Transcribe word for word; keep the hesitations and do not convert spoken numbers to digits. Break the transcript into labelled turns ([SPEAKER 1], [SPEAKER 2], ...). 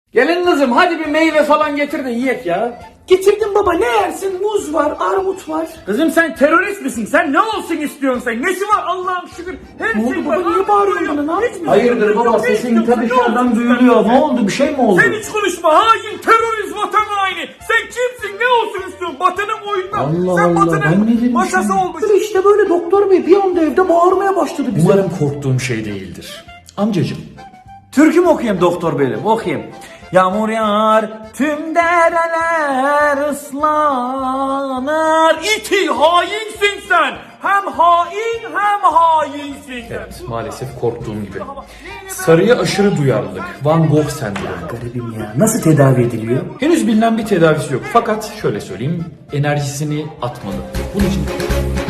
[SPEAKER 1] Gelin kızım hadi bir meyve falan getir de yiyek ya.
[SPEAKER 2] Getirdim baba, ne yersin? Muz var, armut var.
[SPEAKER 1] Kızım sen terörist misin? Sen ne olsun istiyorsun sen? Nesi var Allah'ım şükür? Her
[SPEAKER 2] Ne oldu
[SPEAKER 1] şey
[SPEAKER 2] baba,
[SPEAKER 1] var.
[SPEAKER 2] niye bağırıyorsun bana, ne yaptın?
[SPEAKER 3] Hayırdır baba, sesin ta dışarıdan duyuluyor. Ne oldu, bir şey mi oldu?
[SPEAKER 1] Sen hiç konuşma hain terörist vatan haini. Sen kimsin ne olsun istiyorsun? Batı'nın oyundan.
[SPEAKER 3] Allah
[SPEAKER 1] sen
[SPEAKER 3] Allah,
[SPEAKER 1] Batı'nın
[SPEAKER 3] ben ne dedim
[SPEAKER 1] maşası
[SPEAKER 3] şimdi?
[SPEAKER 1] olmuş.
[SPEAKER 2] Böyle işte böyle doktor bey bir anda evde bağırmaya başladı bize.
[SPEAKER 3] Umarım korktuğum şey değildir. Amcacım.
[SPEAKER 1] Türkü mü okuyayım doktor benim? Okuyayım. Yağmur yağar, tüm dereler ıslanır. İti hainsin sen. Hem hain hem hainsin.
[SPEAKER 3] Evet, maalesef korktuğum gibi. Sarıya aşırı duyarlılık. Van Gogh sendromu.
[SPEAKER 2] Garibim ya, nasıl tedavi ediliyor?
[SPEAKER 3] Henüz bilinen bir tedavisi yok. Fakat şöyle söyleyeyim, enerjisini atmalı. Bunun için